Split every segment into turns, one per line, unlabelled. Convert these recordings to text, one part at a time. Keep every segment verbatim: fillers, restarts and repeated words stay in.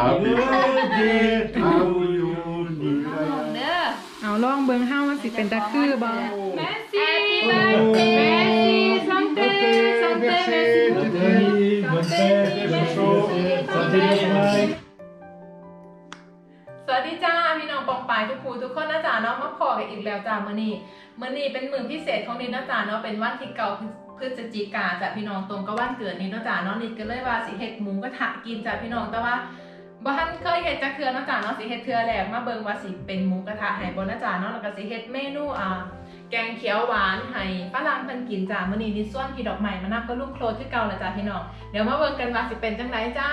Happy birthday to you
เด้อ
เอาลองเบิ่งเฮามันสิเป็นตะคือบ่แม่ซี่
Happy birthday
แม่ซี่ซังเต้ซังเต้แม่ซี่
Bonne fête, bonne chose, santé bien.
สวัสดีจ้าพี่น้องปองปายทุกครูทุกคนนะจ๊ะเนาะมาพอกันอีกแล้วจ้ามื้อนี้มื้อนี้เป็นมื้อพิเศษของนิดนะจ๊ะเนาะเป็นวันที่เก่าพฤศจิกาจ้ะพี่น้องตรงกับวันเกิดนิดนะจ๊ะเนาะนิดก็เลยว่าสิเฮ็ดหมูกระทะกินจ้ะพี่น้องแต่ว่าบ่ทันเคยเฮ็ดจักเทื่อนะจ๊ะเนาะสิเฮ็ดเทื่อแรกมาเบิ่งว่าสิเป็นหมูกระทะให้บ่นะจ๊ะเนาะแล้วก็สิเฮ็ดเมนูอ่าแกงเขียวหวานให้ฝรั่งเพิ่นกินจ้ะมื้อนี้นิดส่วนพี่ดอกไม้มานับก็ลูกโคลดคือเก่าแล้วจ้ะพี่น้องเดี๋ยวมาเบิ่งกันว่าสิเป็นจังไดจ้า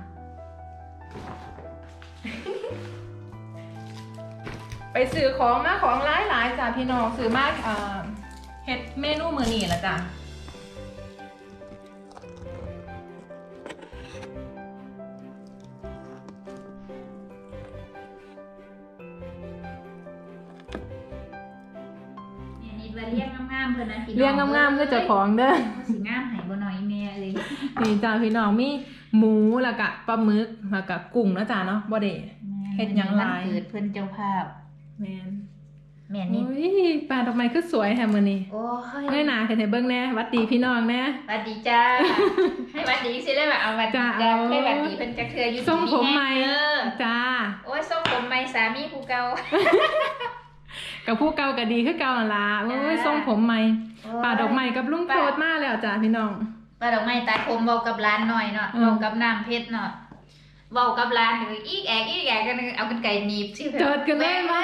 ไปซื้อของมาของหลายหลายจ้ะพี่น้องซื้อมาเฮ็ดเมนูมื้อนี้ละจ้ะ
นี่ว่าเลี้ยงงามๆเพิ่นนะพี่น้อง
เลี้ยงงามๆคือเจ้าของเด้อ
สิงามให้บ่น้อยแม่เลย
นี่จ้ะพี่น้องมีหมูแล้วก็ปลาหมึกแล้วก็กุ้งนะจ้ะเนาะบ่ได้เฮ็ดหยังหลาย
วันเกิดเพิ่นเจ้าภาพ
แม่น
แม่
โอ้
นี่
ยปลาดอกไม้คือสวยแฮะมื้อนี้
โอ้ย
เงยหน้าขึ้นให้เบิ่งแหน่หวัดดีพี่น้องแหน่
สวัสดีจ้า ให้หวัดดีสิได้แบบเอาหวัดดี
จ้า
จ้า
เอา
ให้หวัดดีเพิ่นจักเทื่ออยู่
ทรงผมใหม่
เออ
จ้า
โอ้ยทรงผมใหม่สามีผู้เก่า
กับผู้เก่าก็ดีคือเก่านั่นล่ะโอ้ยทรงผมใหม่ปลาดอกไม้กับลุงโพดมาแล้วจ้ะพี่น้อง
ปลาดอกไม้ตาคมเว้ากับร้านหน่อยเนาะ
อืม
เว้ากับน้ำเพชรเนาะเว้ากับร้านนี่อีกแอกอีกแอกกันเอากันไก่หนีบสิ
เจิดกันเลยไหม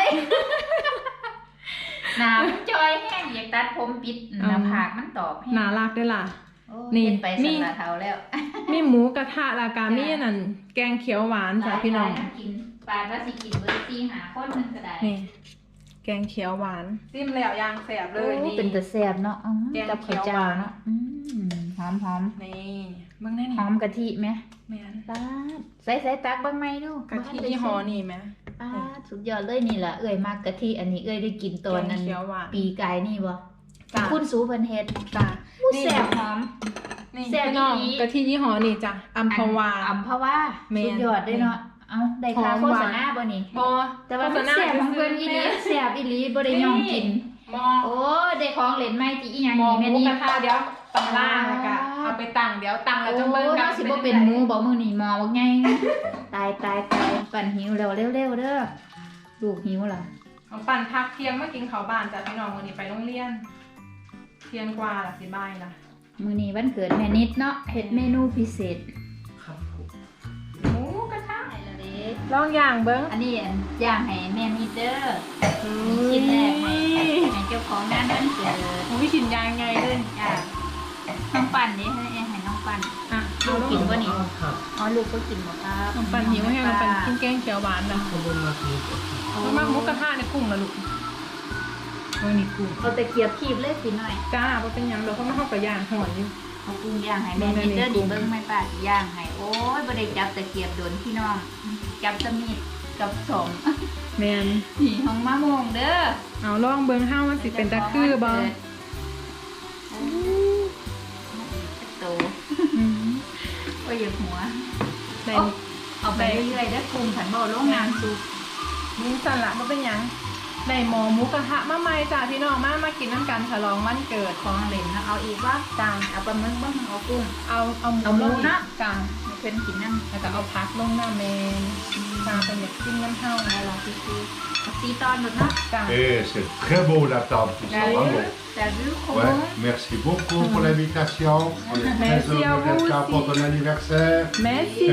หน้ามันจอยแห้งอยากตัดผมปิดหน้าผากมันตอบแห้ง
น่ารักด้วยล่ะ
โอ้
นี่
นี่ไป
มี
สันละเทาแล้ว
มีหมูกระทะแล้วก็มีอันนั่นแกงเขียวหวานจ้ะพี่น้อง
กินปลาว่าสิกินเบอร์ซี่หาคนนึงก็ได้
นี่แกงเขียวหวานซิมแล้วยางแสบเลย
โอ้
นี่
เป็นตะแซ่บเนาะอื้อ
แกง
กับ
เขี
ข้าว
ยวหาน
เจ้าวเนาะอืมหอมหอม
นี่เบิ่งได้นี่
หอมกะทิไหม
แม่น
ปาดใส่ใส่ตักเบ้างไหมดู
กะทิยี่ห้อนี่ไหม
ปาดสุดยอดเลยนี่แหละเอ้ยมากกะทิอันนี้เอ้ยได้กินตอนนั้น
แกงเขียวหวาน
ปีกายนี่บ่
จ้ะ
คุณสูเพิ่นเฮ็ด
จ้ะ
ผู้
นี่
แซ่บหอม
นี่
แซ่บ
พี่น้อง
อีหลี
กะทิยี่ห้อนี่จ้ะอัมพวา
อัมพวา
แม่น
สุดยอดเลยเนาะเอาได้ค่า
หอม
โฆ
หวาน
ษณาบ่นี่
บอ
แต่ว่ามันแซ่บของเพิ่นอีหลีแซ่บอีหลีบ่ได้ย่องกิน
มอ
โอ้ได้ของเล่นใหม่ที่อีหยัง
มอ
นี่
ห
แม่
มู
นี่
กระทะเดี๋ยวตังล่างแล้วก็เอาไปตั้งเดี๋ยวตั้งแล้วจะ
โอ้
เบิ่งกั
เนาะสิบ่เป็นหมูบ่มื้อนี้หมอบักใหญ่ตายตายตายปั่นหิวแล้วเร็วๆเด้อลูกหิวล่ะ
ของปั่นพักเที่ยงมากินข้าวบ้านจ้ะพี่น้องมื้อนี้ไปโรงเรียนเที่ยงกว่าล่ะสิบ่ายล่ะ
มื้อนี้วันเกิดแม่นิดเนาะเฮ็ดเมนูพิเศษ
หมูกระทะ
ให้ละเด้
ลองย่างเบิ่ง
อันนี้ย่างให้แม่นิดเด้อชิ้นแรกให้ให้เจ้าของงานวันเกิด
หมูวิชินยางไงเลย
จ้าน้องปั่นนี่ให้ให้น้องปั่น
อ่ะ
ลูกกินบ่นี่อ๋อลูกก็กินบ่ครับ
น้องปั่นหิวให้น้องปั่นกินแกงเขียวหวานนะมามากหมูกระทะในกุ้งละลูกเมื่อนี้กุ้ง
เอาตะเกียบคีบเลยสิหน่อย
จ้าบ่เป็นหยังเดี๋ยวเขามาเข้ากับย่างหอยอยู่
เอากุ้งย่างให้แม่นิดเด้อดิเบิ่งไม่ป้าสิย่างให้โอ้ยบ่ได้จับตะเกียบโดนพี่น้องจับแตะมีดกับสม
แม่น
นี่ของมะม่วงเด้อ
เอาลองเบิ่งเฮามันสิเป็นตะคือบ่
โอ้โต
อืม
โอ้ยอย่าหัว
ได้
เอาเอาไปเรื่อยๆเด้อกุ้งขันบ่ลงน้ำซุป
นี่สั่นละบ่เป็นหยังได้หมอหมูกระทะมาใหม่จ้าพี่น้องมามากินน้ำกันฉลองวันเกิด
ของเล่นนะเอาอีกว่า
จ้า
เอาปลาหมึกบ้างเอากุ้ง
เอาเอาหมู
เอาหมู
ลง
นะ
จ้า
ให้เพิ่นกินนั่ง
แล้วก็เอาผักลงหน้าเมนจ้าเป็นอยากกินน้ำเฮา
เอาลองซีซีเอาซีตอนหมดเนาะ
จ้า
Et c'est très beau la table, tout ça, bravo.
แต่รื้อคง
Ouais, merci beaucoup pour l'invitation. On est très
Merci à
heureux
vous
d'être là
aussi.
pour ton anniversaire.
แม่ซี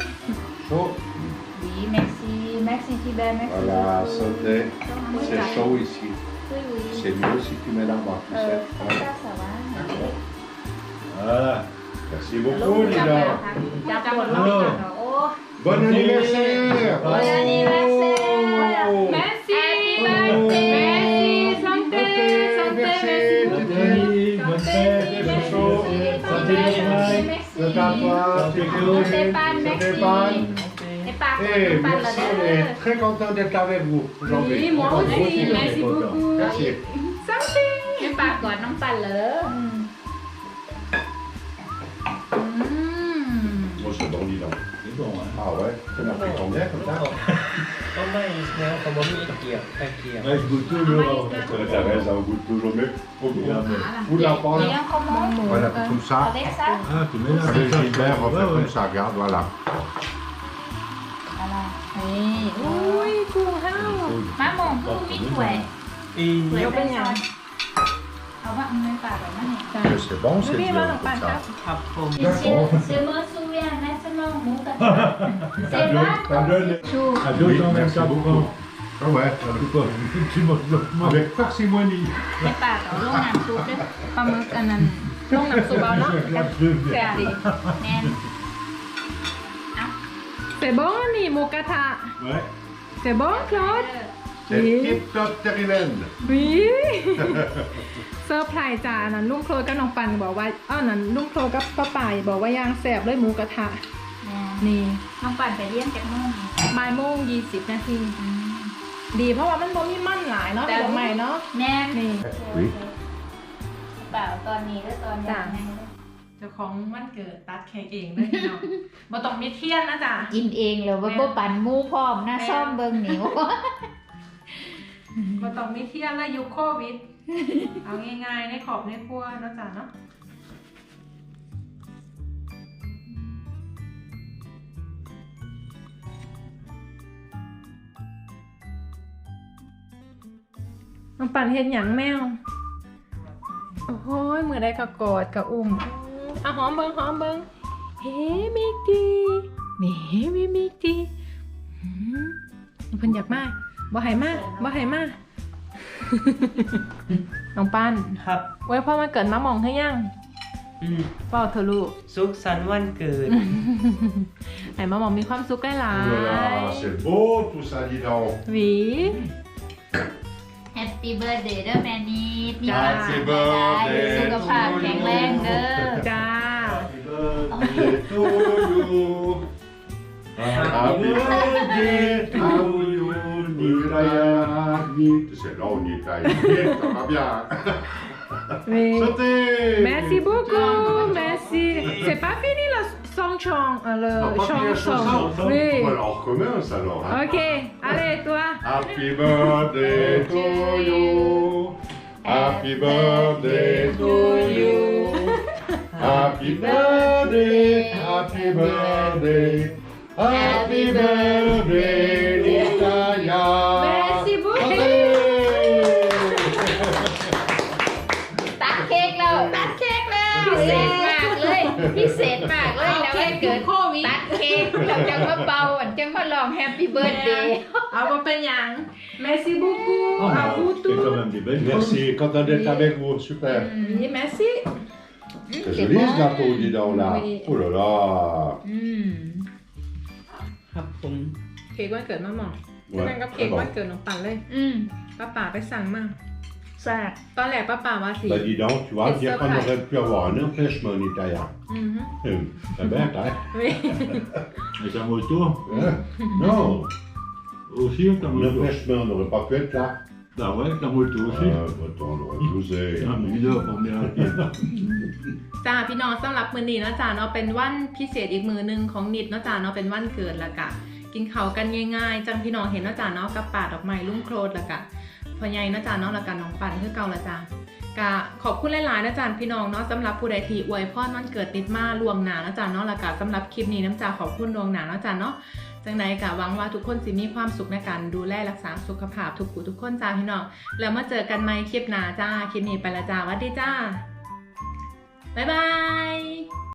Chaud.
ดีแม็กซี่แม็กซี่ที่แบร์แม็กซี่
Voilà, santé. C'est chaud ici.
อุ้ยอุ้ย
C'est mieux si tu mets là-bas, tu
เออ
sais.
ข้าว
Ouais.
เจ้าสวรรค์
Voilà. Merci
ลู
beaucoup,
กจับ
Lila.
จับปวดลงจับโอ้
Bon anniversaire.
Bon anniversaire.
Oh.
แม่ซี
Happy
แม่
birthday
ซีสังเต้สังเต้แม่ซี
Bonne fête, bonne chose, santé bien. De ta part, tes clés,
Stéphane,
santé
merci.
Pan.
ไอ้ปาก
Eh,
ปั่นละ
merci,
เด้
on
อ
est très content d'être avec vous aujourd'hui.
Oui, moi
Vous
aussi,
on est
merci
content.
beaucoup.
Merci.
ไอ้ปากก่อนน้องปั่นเลยอืม
Moi,
c'est bon, dis donc.
C'est bon, hein.
Ah ouais, ça m'a pris combien comme ça?
ก็ไม่แนวเขาบอกมีตะเกียบตะเกียบ
Ouais, je goûte toujours.
Ouais, t'as raison, on goûte toujours mieux. Au goût.
Regarde.
Vous la
Et
parlez?
un comment
Voilà, comme ça.
Avec ça
Ah, tu mets là.
Avec
comme ça,
Gilbert, on
ouais,
fait
ouais.
comme ça, regarde, voilà.
อะไร
นี่อุ้ยกุ้งห้าว
มะม่วงคือมีถ้วย
อี
ถ้วย
เดี๋ยวเป็นไง
เอาว่าเอาเงินฝากแบบนั้นเนี่ย
Mais c'est bon,
ดู
c'est
ดิมาหลัง
bien
ปัน
comme
ครับ
ça.
ครับผม
เชื่อเชื่อเมื่อสู้ยังนะฉันลองหมูกระทะเซ
Ça
บ้า
donne, ça donne
ชู
à deux
Oui,
cents
merci
vingt-quatre
beaucoup.
francs.
Ah ouais,
Tu peux, tu manges lentement.
avec parcimonie.
ในปากเอาลงน้ำซุปด้วย
ปลาหมึกอันนั้นลงน้ำซุปเอาเนาะ แซ่บดี
แน่น
เสร็จบ้องนี่หมูกระทะ
Ouais.
เสร็จบ้องคลอด
C'est
Oui.
tip top terrible.
วิเซอร์ไพรส์จ้าอันนั้นลุงโคลกับน้องปันบอกว่าอ้าวนั้นลุงโคลกับป้าป่ายบอกว่าย่างแซ่บเลยหมูกระทะ
แน่น
นี่
น้องปั่นไปเลี้ยงจากนู่น
บ่ายโมงยี่สิบนาที ดีเพราะว่ามันบ่มีมันหลายเนาะ
แต่
เดี๋ยวใหม่เนาะ
แน่น
นี่
Oui.
เปล่าตอนนี้แล้วตอนยังไง
เจ้าของวันเกิดตัดเค้กเองเลยเนาะบ่ต้องมีเทียนนะจ๊ะ
กินเองเลยว่าบ่ปั่นหมูพร้อมนะซ่อมเบิ่งหนิว
บ่ต้องมีเทียนแล้วยุคโควิด เอาง่ายๆในขอบในครัวเนาะจ๊ะเนาะน้องปั่นเฮ็ดหยังแมว โอ้โหมือได้ก็กอดก็อุ้มเอาหอมเบิงหอมเบิงเฮ้มิกดีเฮ้มิมิกดีหืมเพิ่นอยากมาบ่ให้มาบ่ให้มา น้องปั้น
ครับ
ไว้พ่อมาเกิดมามองให้ยัง
อืม
เปล่าเธอะลูก
สุขสันต์วันเกิด
ให้มามองมีความสุขได้หลา
Oh là
ย
là, c'est beau tout ça, dis donc.
หวี
แฮปปี้เบิร์ดเดย์เด้อแม่นิดมี
จ้า
ความสุขหลายๆสุขภาพแข็งแรงเด้อ
จ้า
Happy birthday to you. Happy birthday to you, Nitaya. Nit- C'est long, Nitaya. Nit, ça va bien.
หวี
Sautez.
Merci beaucoup, merci. C'est pas fini le song chong, euh, le
Non, pas
chong
fini la
song.
chanson.
Oui.
Bon, alors on recommence alors. hein.
Ok, allez toi.
Happy birthday to you. Happy birthday to you. Happy birthday, happy birthday. Happy birthday, Nitaya.
Merci beaucoup.
Sautez.
ตัดเค้กแล้วตัดเค้กแล้วพิเศษมากเลยพิเศษมากเลยแล้ววันเกิดโควิดตัดเค้กแล้วจังมาเป่าอันจังมาลองแฮปปี้เบิร์ดเดย์
เอามาเป็นหยัง Merci beaucoup.
Oh,
à
bah,
vous
c'est
tous.
quand même des belles
Merci, content d'être avec vous, super.
Oui, merci.
C'est joli ce gâteau, dis donc là.
Oui.
Oh là là.
อืม
ครับผม
เค้กวันเกิดมาหมอ
Ouais,
นั่นก็เค้
très
ก
bon.
วันเกิดน้องปันเลย
อืม
ป้าป่าไปสั่งมา
แซ่บ
ตอนแรกป้าป่าว่าสิ
Bah dis donc, tu vois,
C'est
dire
ça,
qu'on
ouais.
aurait pu avoir un empêchement en Italie.
อือฮึ
Hum, C'est bête, hein?
Oui.
Et ta moto
Hein? Non,
aussi, ta
un
moto.
empêchement, on n'aurait pas pu être là.
Bah ouais, ta moto aussi.
Euh, attends, on aurait bousé.
Ah, mais il dort pour bien.
จ้าพี่น้องสำหรับมื้อนี้เนาะจ้าเนาะเป็นวันพิเศษอีกมื้อหนึงของนิดเนาะจ้าเนาะเป็นวันเกิดแล้วกะกินข้าวกันง่ายๆจังพี่น้องเห็นเนาะจ้าเนาะกับป่าดอกไม้ลุ่มโครดแล้วกะพ่อใหญ่เนาะจ้าเนาะแล้วกันน้องปันคือเก่าละจ้ากะขอบคุณหลายๆนะจ้าพี่น้องเนาะสำหรับผู้ใดที่อวยพรวันเกิดนิดมาล่วงหน้าเนาะจ้าเนาะแล้วกะสำหรับคลิปนี้น้ำจ้าขอบคุณล่วงหน้าเนาะจ้าเนาะจังใดกะหวังว่าทุกคนสิมีความสุขในการดูแลรักษาสุขภาพทุกผู้ทุกคนจ้าพี่น้องแล้วมาเจอกันใหม่คลิปหน้าจ้าคลิปนี้ไปละจ้าสวัสดีจ้าบ๊ายบาย